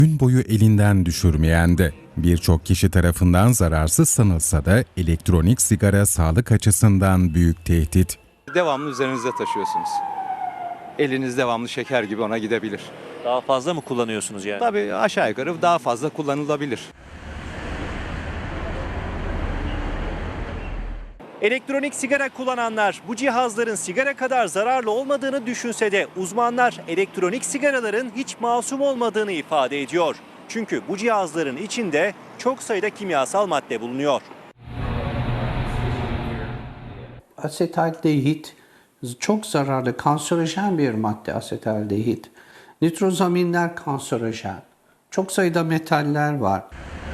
Gün boyu elinden düşürmeyen de birçok kişi tarafından zararsız sanılsa da elektronik sigara sağlık açısından büyük tehdit. Devamlı üzerinizde taşıyorsunuz. Eliniz devamlı şeker gibi ona gidebilir. Daha fazla mı kullanıyorsunuz yani? Tabii aşağı yukarı daha fazla kullanılabilir. Elektronik sigara kullananlar bu cihazların sigara kadar zararlı olmadığını düşünse de uzmanlar elektronik sigaraların hiç masum olmadığını ifade ediyor. Çünkü bu cihazların içinde çok sayıda kimyasal madde bulunuyor. Asetaldehit çok zararlı, kanserojen bir madde asetaldehit. Nitrozaminler kanserojen. Çok sayıda metaller var.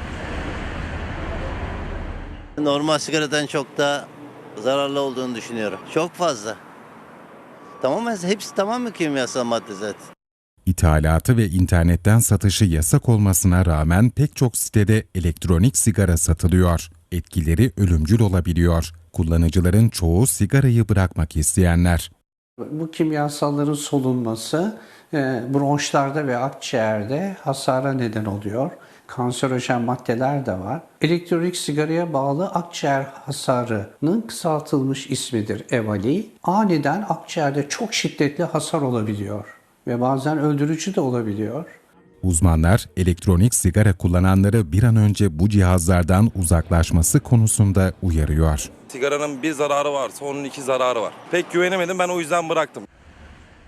Normal sigaradan çok daha zararlı olduğunu düşünüyorum. Çok fazla. Hepsi tamamen kimyasal madde zaten. İthalatı ve internetten satışı yasak olmasına rağmen pek çok sitede elektronik sigara satılıyor. Etkileri ölümcül olabiliyor. Kullanıcıların çoğu sigarayı bırakmak isteyenler. Bu kimyasalların solunması bronşlarda ve akciğerde hasara neden oluyor. Kanserojen maddeler de var. Elektronik sigaraya bağlı akciğer hasarının kısaltılmış ismidir EVALI. Aniden akciğerde çok şiddetli hasar olabiliyor ve bazen öldürücü de olabiliyor. Uzmanlar elektronik sigara kullananları bir an önce bu cihazlardan uzaklaşması konusunda uyarıyor. Sigaranın bir zararı varsa onun iki zararı var. Pek güvenemedim, ben o yüzden bıraktım.